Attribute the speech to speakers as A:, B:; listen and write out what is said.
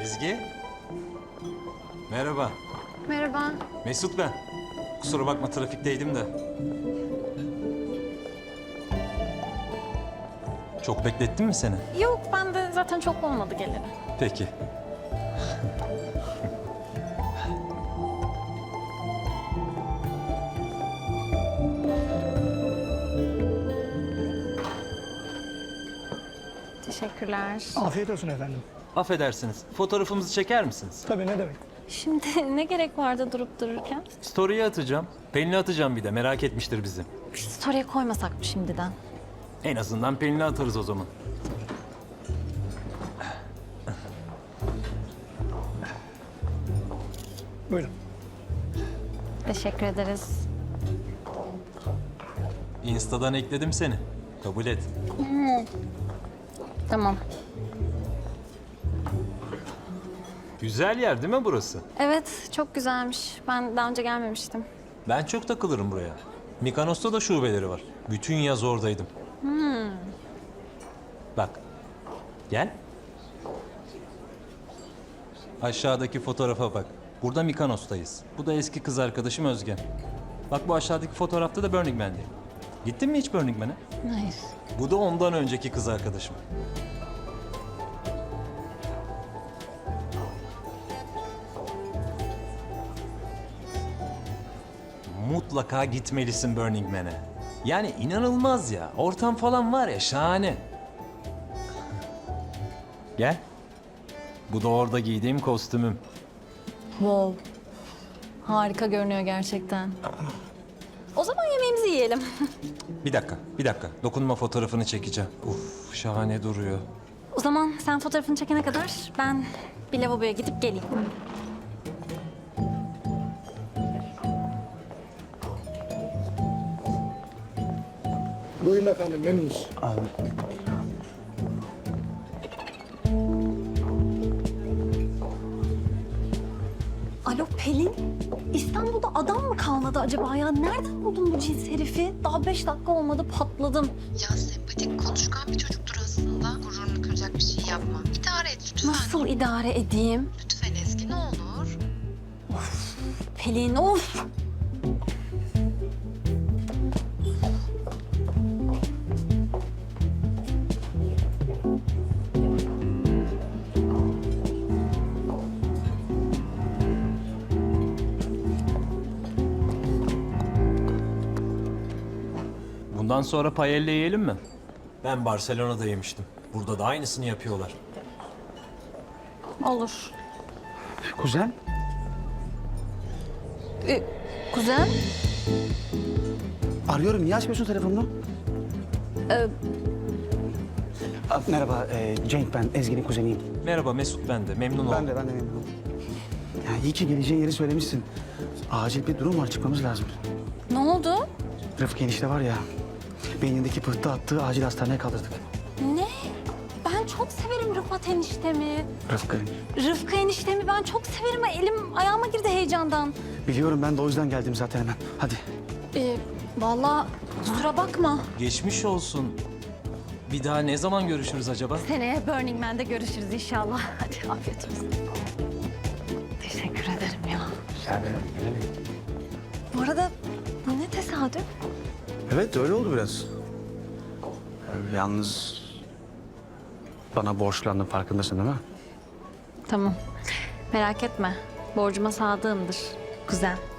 A: Ezgi. Merhaba.
B: Merhaba.
A: Mesut ben. Kusura bakma trafikteydim de. Çok beklettin mi seni?
B: Yok, ben de zaten çok olmadı geleli.
A: Peki.
B: Teşekkürler.
C: Afiyet olsun efendim.
A: Affedersiniz. Fotoğrafımızı çeker misiniz?
C: Tabii, ne demek.
B: Şimdi ne gerek vardı durup dururken?
A: Story'e atacağım. Pelin'e atacağım bir de. Merak etmiştir bizi.
B: Story'e koymasak mı şimdiden?
A: En azından Pelin'e atarız o zaman.
C: Buyurun.
B: Teşekkür ederiz.
A: Insta'dan ekledim seni. Kabul et.
B: Tamam.
A: Güzel yer değil mi burası?
B: Evet, çok güzelmiş. Ben daha önce gelmemiştim.
A: Ben çok takılırım buraya. Mikonos'ta da şubeleri var. Bütün yaz oradaydım. Bak. Gel. Aşağıdaki fotoğrafa bak. Burada Mikonos'tayız. Bu da eski kız arkadaşım Özge. Bak bu aşağıdaki fotoğrafta da Burning Man'deyim. Gittin mi hiç Burning Man'e?
B: Hayır.
A: Bu da ondan önceki kız arkadaşım. Mutlaka gitmelisin Burning Man'e. Yani inanılmaz ya. Ortam falan var ya, şahane. Gel. Bu da orada giydiğim kostümüm.
B: Wow. Harika görünüyor gerçekten. O zaman yemeğimizi yiyelim.
A: Bir dakika, bir dakika. Dokunma fotoğrafını çekeceğim. Uf, şahane duruyor.
B: O zaman sen fotoğrafını çekene kadar ben bir lavaboya gidip geleyim.
C: Buyurun efendim, memnunuz.
B: Alo Pelin, İstanbul'da adam mı kalmadı acaba ya? Nereden buldun bu cins herifi? Daha 5 dakika olmadı patladım.
D: Ya sempatik, konuşkan bir çocuktur aslında. Gururunu kıracak bir şey yapma. İdare et lütfen.
B: Nasıl idare edeyim?
D: Lütfen Ezgi, ne olur.
B: Pelin of!
A: Bundan sonra paella yiyelim mi? Ben Barcelona'da yemiştim. Burada da aynısını yapıyorlar.
B: Olur.
C: Kuzen?
B: Kuzen?
E: Arıyorum. Niye açmıyorsun telefonunu? Merhaba, Cenk ben. Ezgi'nin kuzeniyim.
A: Merhaba Mesut ben de. Memnun oldum.
E: Ben de memnunum. Ya iyi ki geleceğin yeri söylemişsin. Acil bir durum var, çıkmamız lazım.
B: Ne oldu?
E: Rıfkı enişte var ya, beynindeki pıhtı attığı acil hastaneye kaldırdık.
B: Ne? Ben çok severim Rıfat eniştemi.
E: Rıfkı.
B: Rıfkı eniştemi ben çok severim. Elim ayağıma girdi heyecandan.
E: Biliyorum, ben de o yüzden geldim zaten hemen. Hadi.
B: Vallahi kusura bakma.
A: Geçmiş olsun. Bir daha ne zaman görüşürüz acaba?
B: Seneye Burning Man'de görüşürüz inşallah. Hadi afiyet olsun. Teşekkür ederim ya. Bu arada bu ne tesadüf?
E: Evet, öyle oldu biraz. Yalnız bana borçlandın, farkındasın değil mi?
B: Tamam. Merak etme. Borcuma sadığımdır kuzen.